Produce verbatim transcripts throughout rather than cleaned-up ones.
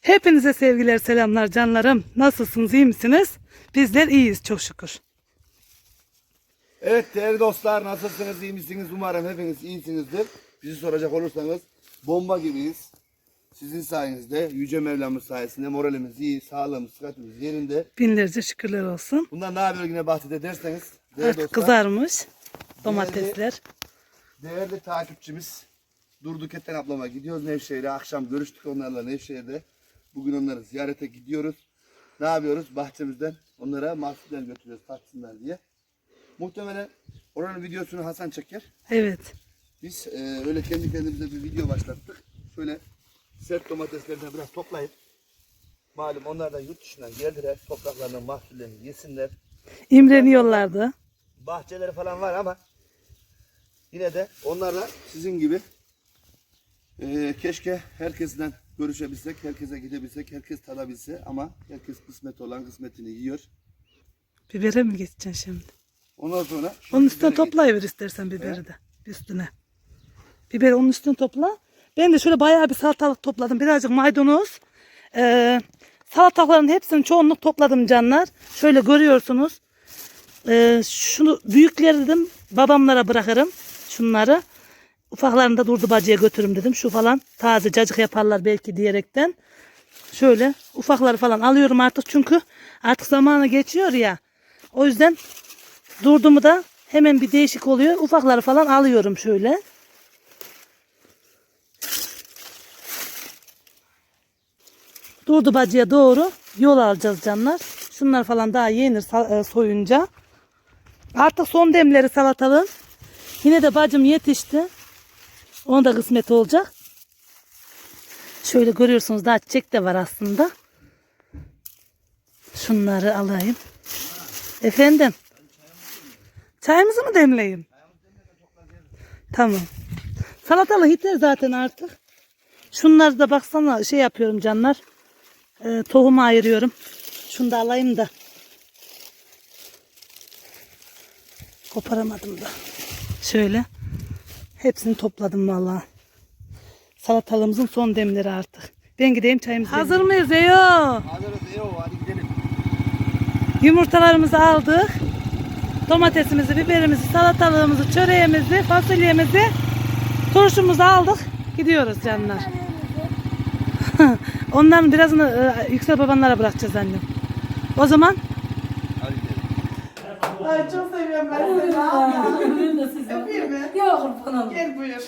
Hepinize sevgiler, selamlar canlarım. Nasılsınız, iyi misiniz? Bizler iyiyiz çok şükür. Evet değerli dostlar, nasılsınız, iyi misiniz? Umarım hepiniz iyisinizdir. Bizi soracak olursanız bomba gibiyiz. Sizin sayenizde, Yüce Mevlamız sayesinde moralimiz iyi, sağlığımız, sıhhatimiz yerinde. Binlerce şükürler olsun. Bundan daha böyle yine bahsederseniz değerli Artık dostlar, kızarmış domatesler. Değerli, değerli takipçimiz Durduk Eten ablama gidiyoruz Nevşehir'e. Akşam görüştük onlarla Nevşehir'de. Bugün onları ziyarete gidiyoruz. Ne yapıyoruz? Bahçemizden onlara mahsuller götürüyoruz tatsınlar diye. Muhtemelen oranın videosunu Hasan çeker. Evet. Biz e, öyle kendi kendimize bir video başlattık. Şöyle sert domateslerden biraz toplayıp, malum onlar da yurt dışından geldiler. Topraklarından mahsullerini yesinler. İmreniyorlardı. Bahçeleri falan var ama yine de onlarla sizin gibi e, keşke herkesten görüşebilsek, herkese gidebilsek, herkes tadabilse ama herkes kısmet olan kısmetini yiyor. Bibere mi geçeceksin şimdi? Ondan sonra Onun üstüne biberi toplayıver istersen biberi de. Üstüne. Biberi onun üstüne topla. Ben de şöyle bayağı bir salatalık topladım. Birazcık maydanoz. Ee, salatalıkların hepsini çoğunluk topladım canlar. Şöyle görüyorsunuz. Ee, şunu büyükleri dedim babamlara bırakırım. Şunları. Ufaklarını da durdu bacıya götürürüm dedim. Şu falan taze cacık yaparlar belki diyerekten. Şöyle ufakları falan alıyorum artık. Çünkü artık zamanı geçiyor ya. O yüzden durdumu da hemen bir değişik oluyor. Ufakları falan alıyorum şöyle. Durdu bacıya doğru yol alacağız canlar. Şunlar falan daha yenir soyunca. Artık son demleri salatalığın. Yine de bacım yetişti. Onun da kısmet olacak. Şöyle görüyorsunuz daha çiçek de var aslında. Şunları alayım. Efendim. Çayımızı mı demleyeyim? Tamam. Salatalık yeter zaten artık. Şunları da baksana şey yapıyorum canlar. E, tohumu ayırıyorum. Şunu da alayım da. Koparamadım da. Şöyle. Hepsini topladım vallahi. Salatalığımızın son demleri artık. Ben gideyim çayımızı. Hazır mıyız Eyo? Hazırız Eyo, hadi gidelim. Yumurtalarımızı aldık. Domatesimizi, biberimizi, salatalığımızı, çöreğimizi, fasulyemizi, turşumuzu aldık. Gidiyoruz canlar. Onların birazını e, Yüksel babanlara bırakacağız annem. O zaman Hadi gidelim. Ay çok seviyorum ben seni. Öpeyim mi? Yok kurbanım. Gel buyur.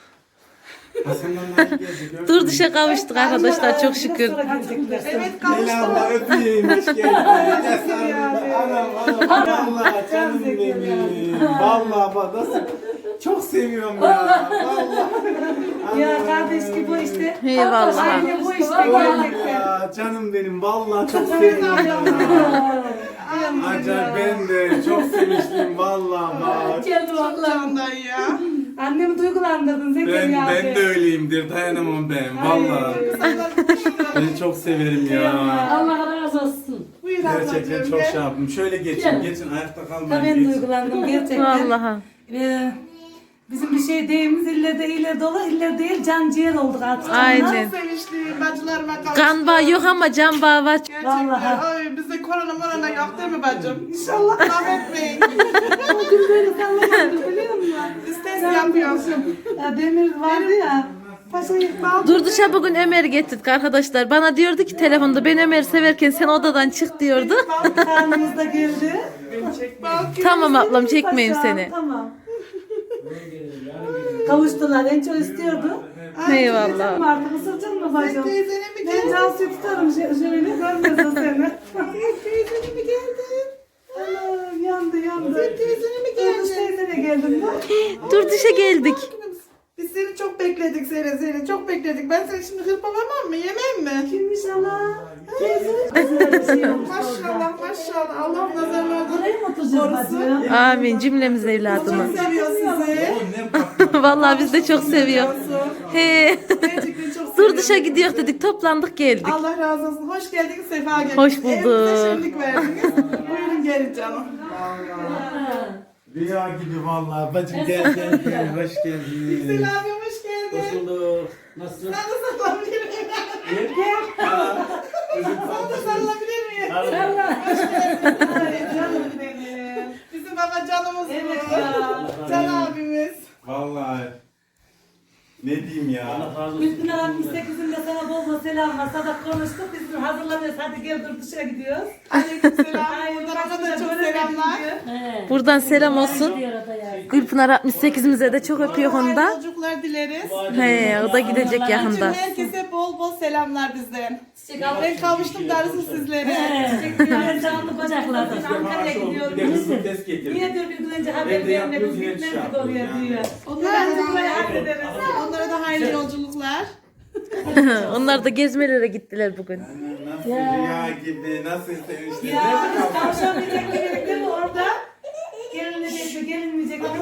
dur dışa kavuştuk arkadaşlar çok şükür. Evet kavuştum. Selamlar öpeyim. Hoş geldin. Anam anam. Vallahi canım benim. Vallahi bak nasıl çok seviyorum ya. Vallahi. Ya kardeş gibi bu işte. Eyvallah. Aynı bu işte Vallahi gerçekten. ya, canım benim. Vallahi çok seviyorum ya. Acayip ben de çok sevinçliyim vallahi bak. Geldi vallahi. Candan ya. Annemi duygulandırdın Ben, Zekeriya abi. ben de öyleyimdir. Dayanamam ben. Vallahi. Beni çok severim ya. Allah razı olsun. Buyur Gerçekten ablacığım, çok gel. şey yaptım. Şöyle geçin, Gel. geçin ayakta Ha, kalmayın. ben geçin. duygulandım gerçekten. Vallahi. Ee, bizim bir şey deyimiz illerde iyiler dolu, iller değil can ciğer olduk artık. Aynen. Çok sevinçliyim. Bacılarıma kavuştum. Kan bağı yok ama can bağı var. Gerçekten. Vallahi. Ay bizde korona morona yok değil mi bacım? İnşallah rahmetmeyin. Bugün böyle sallamadım biliyor musun? İstes yapıyorsun. Ya Demir vardı ya. Paşayı bal. Durduşa bugün Ömer getirdik arkadaşlar. Bana diyordu ki telefonda ben Ömer'i severken sen odadan çık diyordu. Karnımız da geldi. Tamam ablam çekmeyeyim Paşam, seni. Tamam. Kavuştular. En çok istiyordu. Eyvallah. Artık ısırdın mı bacım? Teyzene mi Ben geldin? Cansu'yu tutarım şö- şöyle görmesin seni. Teyzene mi geldin? Ana, yandı yandı. Teyzene mi Durmuş geldin? teyzene geldim ben. Durduşa geldik. Biz seni çok bekledik seni seni çok bekledik. Ben seni şimdi hırpalamam mı? Yemem mi? Kimmiş ana? Teyze. Güzel bir şey olmuş orada. Maşallah maşallah. Allah nazarlardan Buraya mı oturacağız bacım? Amin cümlemiz evladımız. çok seviyor sizi. Vallahi biz de çok seviyor. He. Gerçekten çok Durduşa seviyorum. gidiyor dedik toplandık geldik. Allah razı olsun. Hoş geldiniz, sefa geldiniz. Hoş bulduk. Evimize şenlik verdiniz. Buyurun gelin canım. Rüya gibi vallahi. Bacım gel gel gel. Hoş geldin. Selam hoş geldin. Hoş bulduk. Nasılsın? Sen de saklanabilirim. Gel. Bana da sarılabilir miyim? Hoş geldin. Ay canım benim. Bizim baba canımız Evet bu. ya. Can abimiz. Vallahi ne diyeyim ya. Gülpınar altmış sekizinde sana bol bol selam var. Sabah konuştuk. Biz de hazırlanıyoruz. Hadi gel dur dışarı gidiyoruz. Aleykümselam. Ay, Buradan ona başka da çok böyle selamlar. gidiyor. Buradan selam olsun. Gülpınar altmış sekizimize de çok öpüyor onu da. Yolculuklar dileriz. He, o da gidecek Bütün yakında. herkese bol bol selamlar bizden. Ben kavuştum darısı sizlere. Ben canlı bacaklardan Ankara'ya Bir de gidiyorum. hızlı test getirdim. Niye diyor bir gün önce haber Evde verme yapıyoruz, biz yine gitmedik şey yapıyoruz oraya yani. diyor. Onlara Ben de da, buraya hallederiz. onlara da hayırlı yolculuklar. Onlar da gezmelere gittiler bugün. Nasıl rüya gibi, nasıl sevinçli. Ya biz kavuşamayacak gibi değil mi orada? Gelinecek mi gelinmeyecek mi?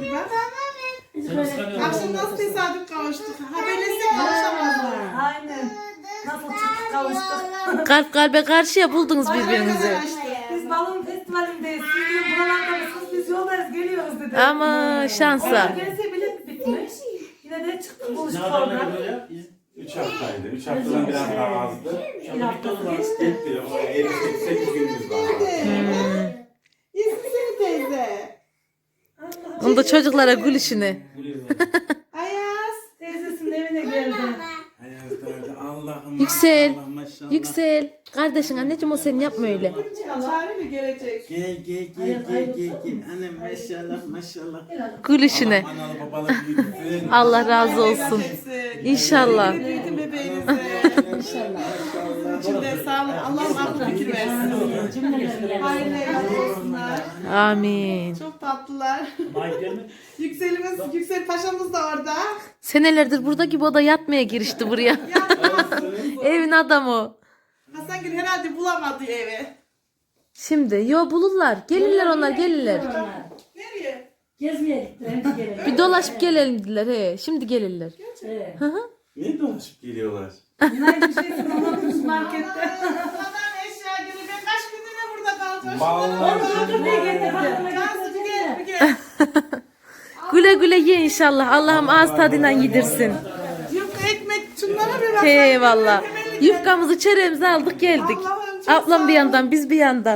Akşam nasıl tesadüf kavuştuk. Haberleşsek kavuşamazlar. Aynen. Nasıl çıktık kavuştuk. Kalp kalbe karşıya buldunuz birbirinizi. Biz balon festivalindeyiz. Siz de buralarda mısınız? Biz yoldayız geliyoruz dedi. Ama şansa. Gelse bilet bitmiş. Yine de çıktık buluştuk orada. Üç haftaydı. Üç haftadan biraz daha azdı. Bir haftası geçti. Gitti. O yedi sekiz günümüz var. İyisin seni teyze. Onu da çocuklara gülüşünü. Ayaz. Teyzesinin evine geldi. Allah'ım. Yüksel. Allah maşallah. Yüksel. Kardeşin anneciğim o senin yapma öyle. Çağrı mı gelecek? Gel gel gel gel gel gel. Annem maşallah maşallah. Gülüşüne. Allah analı babalı büyütsün. Allah razı olsun. İnşallah. Büyütün bebeğinizi. İnşallah. İçinde sağlık. Allah'ım aklı fikir versin. Hayırlı evlat olsunlar. Amin. Çok tatlılar. Yükselimiz, Yüksel Paşa'mız da orada. Senelerdir burada gibi o da yatmaya girişti buraya. Evin adamı. Hasangül herhalde bulamadı evi. Şimdi yo bulurlar. Gelirler onlar gelirler. Nereye? Gezmeye gittiler. Hadi gelelim. Bir dolaşıp gelelim dediler he. Şimdi gelirler. Evet. Hı hı. Niye dolaşıp geliyorlar? Yine bir şeysin unutmuş markette. Adam eşya gibi. Ben kaç gündür burada kalacağım. Vallahi. Dur ne getirdi? Cansucu gel bir gel. Güle güle ye inşallah. Allah'ım ağız tadıyla yedirsin. Yufka ekmek şunlara bir bak. Eyvallah. Yufkamızı çöreğimizi aldık geldik. Allah'ım çok Ablam bir yandan biz bir yandan.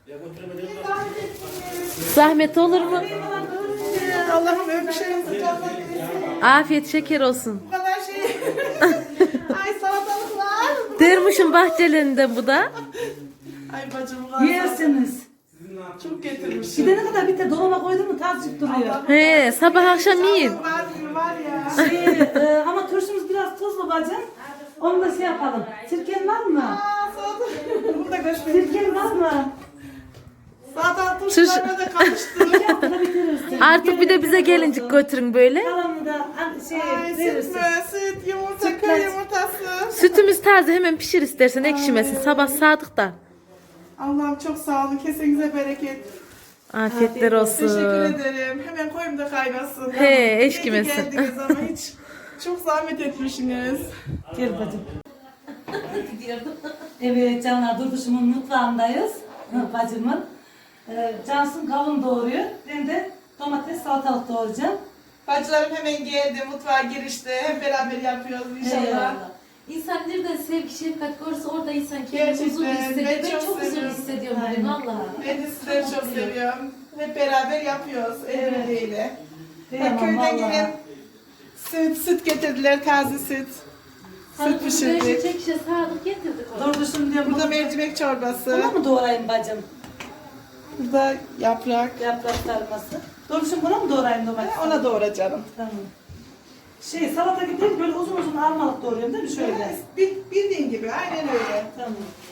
Zahmet olur mu? Allah'ım öpüşelim sıcaklar. Afiyet şeker olsun. Bu kadar şey. Ay salatalıklar. Dermişim bahçelerinden bu da. Ay bacım bu kadar. Yersiniz. Çok getirmiş. Gidene kadar bir de dolaba koydun mu tazcık duruyor. He sabah akşam yiyin. Var mı var ya. Şey, e, ama turşumuz biraz tuzlu bacım. Onu da şey yapalım. Sirken var mı? Aa salatalık. Bunu da göstereyim. Sirken var mı? Salatalık turşularına da karıştı. Bunu bitirirsin. Artık bir de bize gelincik götürün böyle. Kalanını da an- şey Ay süt verirsin. mü? Süt, yumurta, köy yumurtası. Sütümüz taze hemen pişir istersen ekşimesin. Sabah sadık da. Allah'ım çok sağ olun. Kesinize bereket. Afiyetler olsun. Teşekkür ederim. Hemen koyayım da kaynasın. He, İyi eş ki kimesin. geldiniz ama hiç çok zahmet etmişsiniz. Gel bacım. Evet canlar Durduş'umun mutfağındayız. Hı, bacımın. Ee, Cansu'nun kavun doğuruyor. Ben de domates salatalık doğrayacağım. Bacılarım hemen geldi, mutfağa girişti. Hep beraber yapıyoruz inşallah. Eyvallah. İnsan nereden sevgi şefkat görürse orada insan kendini huzur hissediyor. Ben çok huzur hissediyorum bugün, vallahi. Ben de sizleri çok seviyorum. Hep beraber yapıyoruz el birliğiyle. Kıyamam Köyden vallahi. gelen süt, süt getirdiler, taze süt. Süt pişirdik. Çek şişe sağlık getirdik ona. Durduş'um diyorum. Burada Burada mercimek çorbası. Buna mı doğrayayım bacım? Burada yaprak. Yaprak sarması. Durduş'um buna mı doğrayayım domates? Ona doğra canım. Tamam. Şey salata gibi değil, böyle uzun uzun armalık doğruyorum değil mi şöyle? Bil- Bildiğin gibi, aynen öyle. Tamam.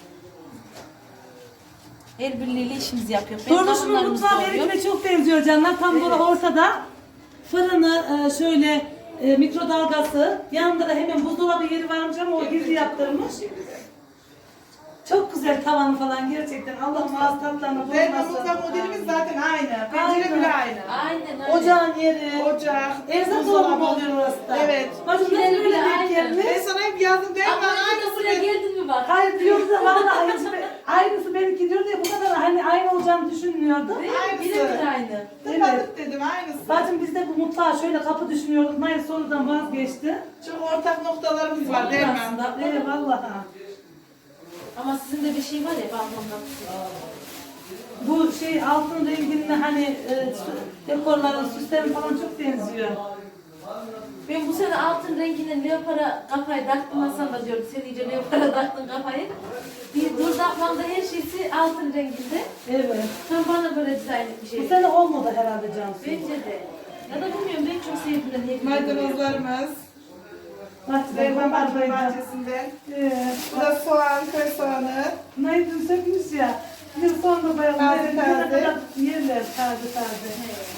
El birliğiyle işimizi yapıyor. Durduş'umun mutfağı benimkine çok benziyor canlar. Tam böyle ortada. Fırını e, şöyle e, mikrodalgası. Yanında da hemen buzdolabı yeri varmış ama o gizli yaptırmış. Çok güzel tavanı falan gerçekten. Allah'ım ağız tatlarına Ve bulmasın. mutfak modelimiz zaten aynı. Pencere bile aynı. Aynen aynen. Ocağın yeri. Ocak, Erzak dolabı mı oluyor orası da? Evet. Bacım nasıl Yeri böyle bile denk aynı. gelmiş? Ben sana hep yazdım değil mi? Ama aynı buraya geldin mi bak? Hayır diyordu da vallahi aynısı, aynısı benimki diyordu ya bu kadar hani aynı olacağını düşünmüyordum. Aynısı. Birebir aynı. Tıkladık dedim aynısı. Bacım biz de bu mutfağa şöyle kapı düşünüyorduk. Mayıs sonradan vazgeçti. Çok ortak noktalarımız var değil mi? Aslında. Evet vallahi. Ama sizin de bir şey var ya balkon kapısı. Bu şey altın renginde hani e, dekorların, süslerin falan çok benziyor. Ben bu sene altın renginin leopara kafayı taktım Hasan da diyorum. Sen iyice leopara taktın kafayı. Bir durdaklamda her şeysi altın renginde. Evet. Tam bana böyle dizayn bir şey. Bu sene olmadı herhalde Cansu. Bence de. Ya da bilmiyorum ben çok sevdim de niye Maydanozlarımız. Bahçeden Zeyban Bahçe kopardıydın. bahçesinden. Ee, Bu da soğan, köy soğanı. Naydın sökmüş ya. Yıl sonra bayağı Taze ne taze. kadar yerler taze taze.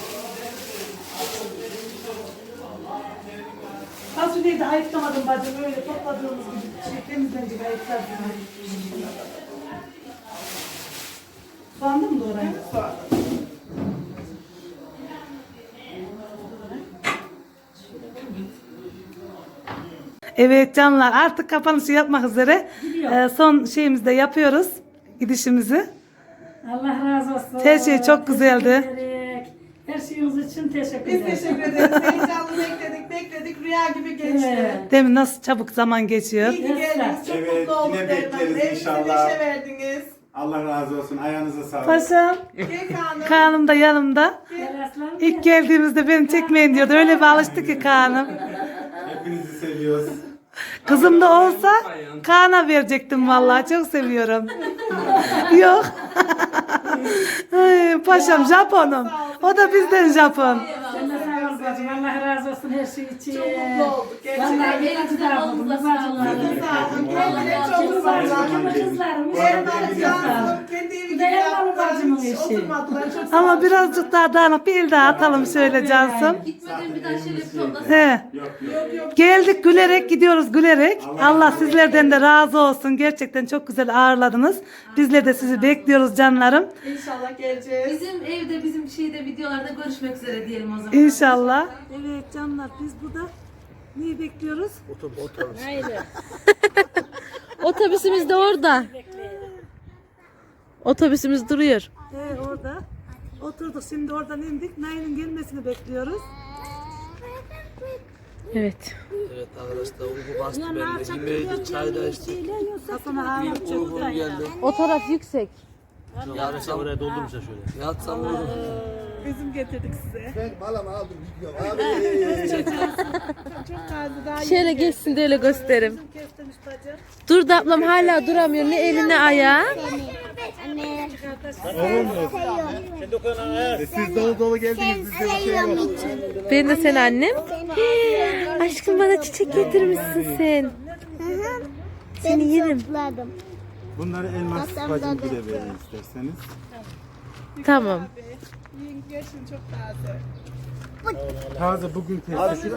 Fasulyeyi de ayıklamadım bacım, öyle topladığımız gibi şey, temizlenecek ayıkladım. Soğandı mı doğrayın? Soğan. Evet canlar, artık kapanışı yapmak üzere. Ee, son şeyimizi de yapıyoruz, gidişimizi. Allah razı olsun. Her şey çok güzeldi. Teşekkür ederek. Her şeyiniz için teşekkür Biz ederim. teşekkür ederiz. Heyecanlı bekledik, bekledik. Rüya gibi geçti. Evet. Değil mi? Nasıl çabuk zaman geçiyor. İyi ki geldiniz. Çok Evet, mutlu olduk. yine Derman. bekleriz Evimize inşallah. neşe verdiniz. Allah razı olsun. Ayağınıza sağlık. Paşam, Gel Kaan'ım. Kaan'ım da yanımda. Gel aslanım. İlk geldiğimizde beni çekmeyin diyordu. Öyle bir alıştı ki Kaan'ım. Hepinizi seviyoruz. Kızım da olsa Kaan'a verecektim vallahi. Çok seviyorum. Yok. Ay, paşam Japon'um. O da bizden Japon. Sen de sağ ol bacım. Allah razı olsun her şey için. Çok mutlu olduk. Gerçekten. Vallahi bir acı da aldım. Elinizde Bacımlarım. Sağ olun. Kendine çok Kızlarım, kızlarlar. kızlarım. Erman Kızlarım. Cansu kendi evi Bir gibi de Erman yaptılar. bacımın Hiç işi. oturmadılar. Çok sağ Ama olun. birazcık daha dağınık bir el daha atalım şöyle Cansım. Gitmeden bir daha şöyle bir toplasın. He. Geldik gülerek gidiyoruz gülerek. Allah sizlerden de razı olsun. Gerçekten çok güzel ağırladınız. Bizler de sizi bekliyoruz canlarım. İnşallah geleceğiz. Bizim evde bizim şeyde videolarda görüşmek üzere diyelim o zaman. İnşallah. Evet canlar, biz burada neyi bekliyoruz? Otobüsümüz de orada. Otobüsümüz duruyor. Ee, orada. Oturduk, şimdi oradan indik. Nail'in gelmesini bekliyoruz. Evet. Evet arkadaşlar uyku bastı bende. Yemeği çay da içtik. Hasan'a ağırlık çok Uykum geldi. O taraf yüksek. Yatsam oraya doldurmuşlar şöyle. Yatsam uyurum. Üzüm getirdik size. Ben balama aldım gidiyorum. Abi. Çok taze daha Şöyle geçsin de öyle gösterim. Dur da ablam hala duramıyor. Ne eli ne ayağı. Siz dolu dolu geldiniz. Bizde bir şey yok. Ben de sen annem. Hii, aşkım bana çiçek getirmişsin sen. Seni yerim. Topladım. Bunları elmas bacım bile verin isterseniz. Tamam. yiyin geçin çok taze. Taze bugün testi.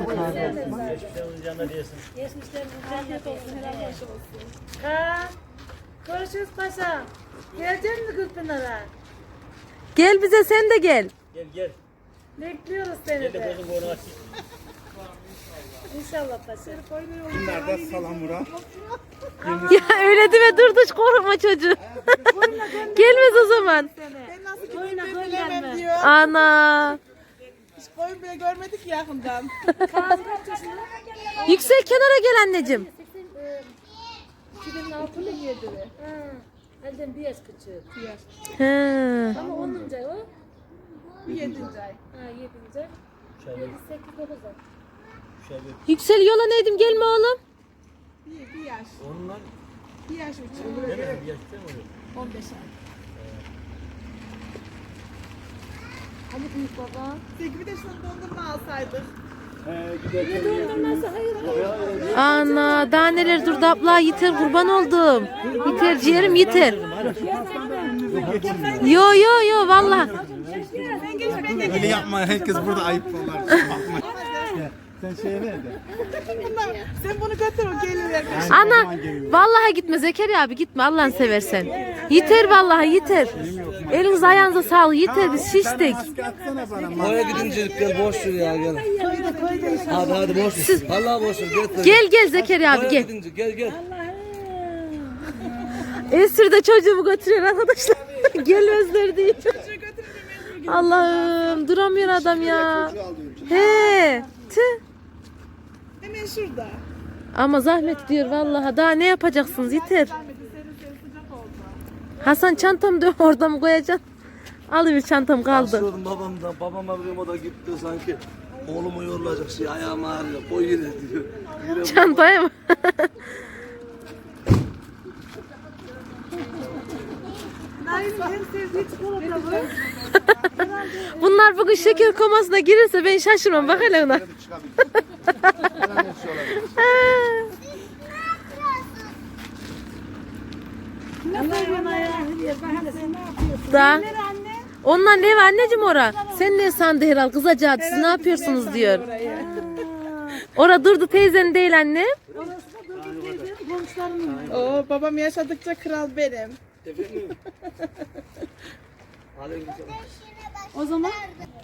Görüşürüz paşam. Gelecek mi Gülpınar'a? Gel bize sen de gel. Bekliyoruz seni de. İnşallah paşam. Bunlar da salamura. Ya öyle deme dur dur korkma çocuğu. Gelmez o zaman. Ben nasıl gittiğimi bilemem diyor. Ana. Hiç koyun bile görmedik yakından. Yüksel kenara gel anneciğim. iki bin altı mı yedi mi? Elden bir yaş küçük. He. Ama onunca o. Bu yedinci ay. Ha yedinci. Yedi, sekiz, dokuz ay. Yüksel yola neydim gelme oğlum. Bir, bir yaş. Bir yaş uçuyor. on beş ay. Hani büyük baba. Peki bir de şunu dondurma alsaydık. Dondurması hayır. Ana daha neler durdu abla yeter kurban oldum. Yeter ciğerim yeter. Yo yo yo valla. Öyle yapma herkes burada ayıp olur. Sen şeye ver de. Sen bunu götür o gelirler. Ana vallahi gitme Zekeriya abi gitme Allah'ını seversen. Yeter vallahi yeter. Eliniz ayağınıza sağlık yeter biz şiştik. Maske atsana bana. Oraya gidince gel boş ver ya gel. Hadi hadi boş ver. Vallahi boş ver. Gel. Gel gel Zekeriya abi Oraya gel. gidince gel gel. Esir de çocuğumu götürüyor arkadaşlar. Gelmezler diye. Allah'ım duramıyor adam ya. He. Tüh. Hemen şurada. Ama zahmet diyor vallahi daha ne yapacaksınız yeter. Zahmeti serin serin sıcak Hasan çantamı da orada mı koyacaksın? Alıver çantam kaldı. Başlıyordum babam da. Babama diyorum o da gitti sanki. Oğlumu yorulacak şey ayağım ağrıyor. Koy yine diyor. Yine Çantaya mı? Bunlar bugün şeker komasına girirse ben şaşırmam. Bak hele ona. Hemen nefşe olabilir. Da. Onlar ne var anneciğim ora? Sen ne sandı herhal kızacağız siz ne yapıyorsunuz diyor. Ora durdu teyzen değil anne. Oo, babam yaşadıkça kral benim. O zaman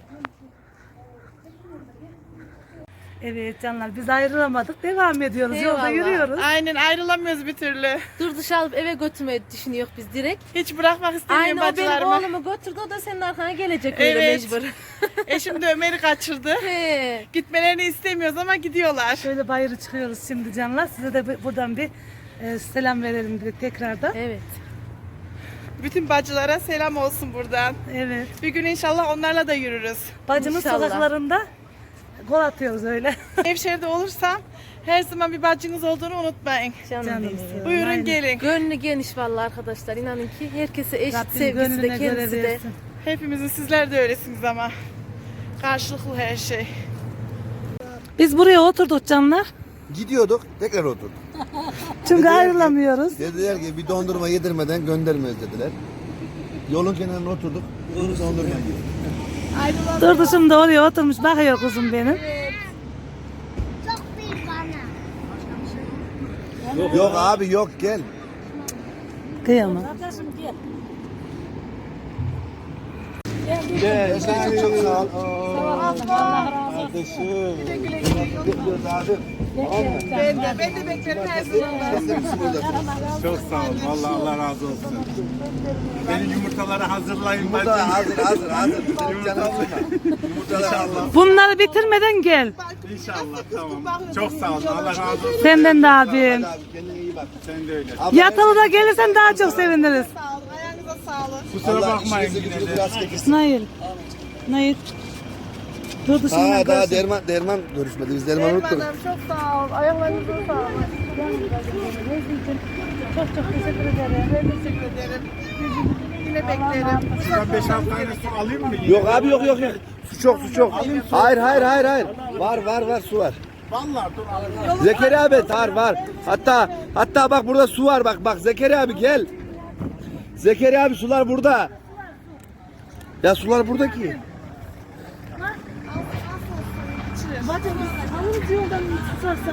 evet canlar biz ayrılamadık. Devam ediyoruz. Yolda Eyvallah. yürüyoruz. Aynen ayrılamıyoruz bir türlü. Dur dışarı alıp eve götürmeyi düşünüyor biz direkt. Hiç bırakmak istemiyorum Aynı o benim bacılarımı. oğlumu götürdü o da senin arkana gelecek öyle Evet. mecbur. Eşim de Ömer'i kaçırdı. He. Gitmelerini istemiyoruz ama gidiyorlar. Şöyle bayırı çıkıyoruz şimdi canlar. Size de bu- buradan bir e, selam verelim dedik tekrardan. Evet. Bütün bacılara selam olsun buradan. Evet. Bir gün inşallah onlarla da yürürüz. Bacımın İnşallah. sokaklarında gol atıyoruz öyle. Nevşehir'de olursam her zaman bir bacınız olduğunu unutmayın. Canım, Canım benim. istiyorum. Buyurun Aynen. gelin. Gönlü geniş vallahi arkadaşlar inanın ki herkese eşit Rabbim sevgisi de gönlüne göre kendisi de. versin. Hepimizin sizler de öylesiniz ama. Karşılıklı her şey. Biz buraya oturduk canlar. Gidiyorduk, tekrar oturduk. Çünkü Dediler ki- ayrılamıyoruz. Dediler ki bir dondurma yedirmeden göndermeyiz dediler. Yolun kenarına oturduk. Dondurma yedik. Durdu şimdi oraya oturmuş bakıyor kuzum benim. Yok abi yok gel. Kıyamam. Gel. Çok sağ ol. Kardeşim. Bekliyoruz abi. Ben de, ben de beklerim her zaman. Sen de misin burada? Çok sağ ol. Vallahi Allah razı olsun. Benim yumurtaları hazırlayın. Burada hazır hazır hazır. Canım sıkma. Yumurtalar hazır. Bunları bitirmeden gel. İnşallah tamam. Çok sağ ol. Allah razı olsun. Senden de abim. Hadi abi kendine iyi bak. Sen de öyle. Abla, Yatılı da gelirsen daha çok seviniriz. Sağ olun, ayağınıza sağlık. Kusura Allah bakmayın işinizi yine gücünüzü de. biraz çekilsin. Nail. Nail. Durdu şimdi. Ha daha görüşürüz. derman derman görüşmedi. Biz derman unuttuk. Çok sağ ol. Ayaklarınıza sağlık. Çok çok teşekkür ederim. Ben teşekkür ederim. Yine beklerim. Ben beş altı tane su alayım mı? Yok abi yok yok yok. Su çok su çok. Hayır hayır hayır hayır. Var var var su var. Vallahi dur alayım. Zekeriya abi var var. Hatta hatta bak burada su var bak bak Zekeriya abi gel. Zekeriya abi sular burada. Ya sular burada ki. Bacım, alın yoldan tutarsa.